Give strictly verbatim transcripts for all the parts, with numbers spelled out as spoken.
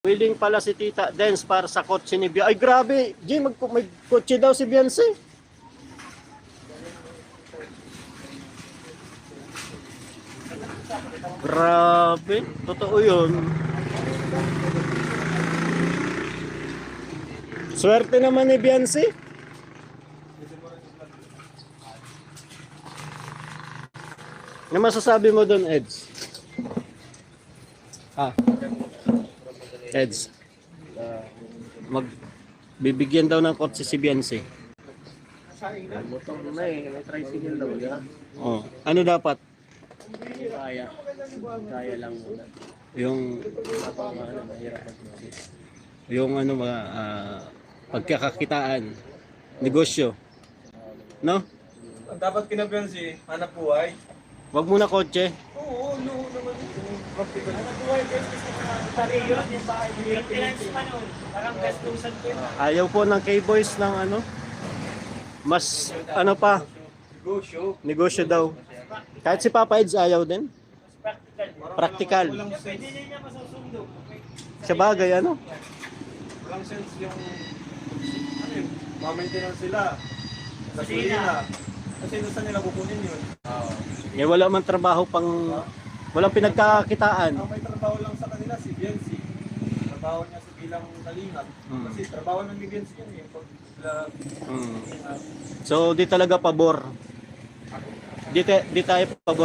Willing pala si Tita Dens para sa kotse ni Beyonce. Ay grabe, G, mag may kotse daw si Beyonce. Grabe, totoo yun. Swerte naman ni Beyonce. Ano masasabi mo doon, Eds? Ah. Eds. Mag bibigyan daw ng kotse si Beyonce. Motor na eh, may tricycle daw yan. Oh, ano dapat? Kaya. Kaya lang muna. Yung Kapag ano, mahirap mag-business. yung ano mga ah, pagkakakitaan, negosyo. No? Ang dapat kinabihan si hanap buhay. Wag muna kotse. Oo, no naman. Practical. Ayaw po ng K-Boys ng ano? Mas ano pa, Negosyo. negosyo daw. Kahit si Papa Eds ayaw din. Practical. Walang sense. Sa bagay ano? Walang sense yung ano yun, ma-maintenance sila. Gasolina. Kasi doon saan nila kukunin yun? Oo. Eh, wala man trabaho pang walang pinagkakakitaan. Ang may trabaho lang sa kanila si Biancy. Trabaho niya sa bilang kalingap. Hmm. Kasi trabaho ng ni Biancy yun eh. Pag sila, Hmm. uh, So di talaga pabor. Di, te, di tayo pabor.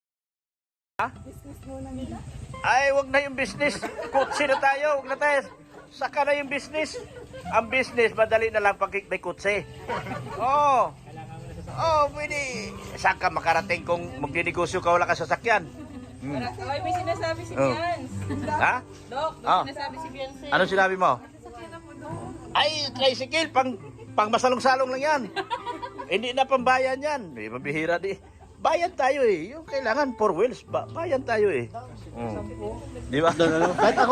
Ay, wag na yung business. Kutsi na tayo, wag na tayo. Saka na yung business. Ang business, madali na lang pag may kutsi. Oo. Oh, pwede. Saan ka makarating kung magdinegosyo ka wala ka sasakyan? Hmm. Ay, may sinasabi si Oh. Bians. Ha? Dok, may Ah. sinasabi si Bians. Ano sinabi mo? Ay, tricycle, pang, pang masalong-salong lang yan. Hindi na pambayan yan. Eh, mabihira di. Bayan tayo eh. Yung kailangan four wheels. Ba bayan tayo eh. Mm. Di ba? Kahit ako